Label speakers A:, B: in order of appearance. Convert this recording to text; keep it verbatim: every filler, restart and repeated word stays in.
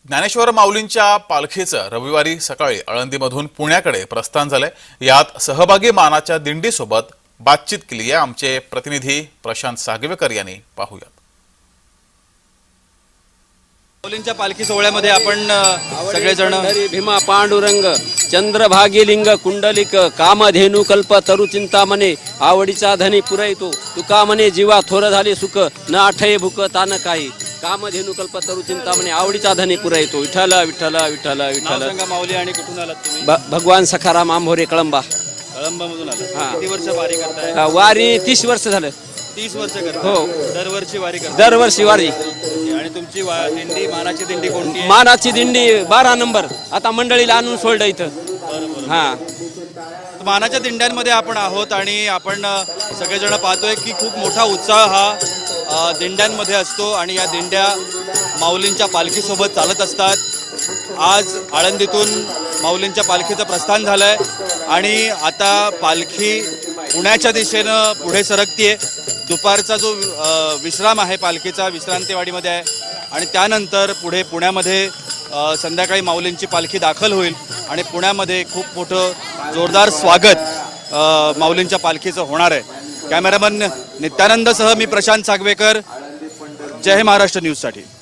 A: ज्ञानेश्वर माऊलींच्या पालखीचं रविवारी सकाळी आळंदीमधून पुण्याकडे प्रस्थान झालंय। यात सहभागी मानाच्या दिंडीसोबत बातचीत केली आहे आमचे प्रतिनिधी प्रशांत सागवेकर यांनी। पाहूया।
B: माऊलींच्या पालखी सोहळ्यामध्ये आपण सगळेजण
C: भीमा पांडुरंग चंद्रभागी लिंग कुंडलिक कामधेनु कल्प तरु चिंतामणे आवडीचा धनी पुरैतो तुका म्हणे जीवा थोर झाले सुख न आठये भूक तान काही कामधेनु कल्प तरु चिंतामणे आवडीचा धनी पुरैतो विठ्ठल विठ्ठल विठ्ठल विठ्ठल।
B: माऊली आणि कुठून आलात तुम्ही?
C: भगवान सखाराम आंभोरे कळंबा
B: कळंबा मधून आलात।
C: हा।
B: किती वर्ष वारी करताय?
C: वारी तीस वर्ष झालं।
B: तीस वर्ष करताय?
C: हो।
B: दरवर्षी वारी करताय?
C: दरवर्षी वारी।
B: आणि तुमची दिंडी मानाची दिंडी कोणती आहे?
C: मानाची दिंडी बारा नंबर आता मंडळीला आणून सोडलं इथं। हा,
B: मानाच्या दिंड्यांमध्ये आपण आहोत आणि आपण सगळेजण पाहतोय की खूप मोठा उत्साह हा दिंड्यांमध्ये असतो आणि या दिंड्या माऊलींच्या पालखीसोबत चालत असतात। आज आळंदीतून माऊलींच्या पालखीचं प्रस्थान झालंय आणि आता पालखी पुण्याच्या दिशेनं पुढे सरकतीये। दुपारचा जो विश्राम आहे पालखीचा विश्रांतीवाडीमध्ये आहे आणि त्यानंतर पुढे पुण्यामध्ये संध्याकाळी माऊलींची पालखी दाखल होईल आणि पुण्यामध्ये खूप मोठं जोरदार स्वागत माऊलींच्या पालखीचं होणार आहे। कॅमेरामन नित्यानंदसह मी प्रशांत सागवेकर, जय महाराष्ट्र न्यूजसाठी।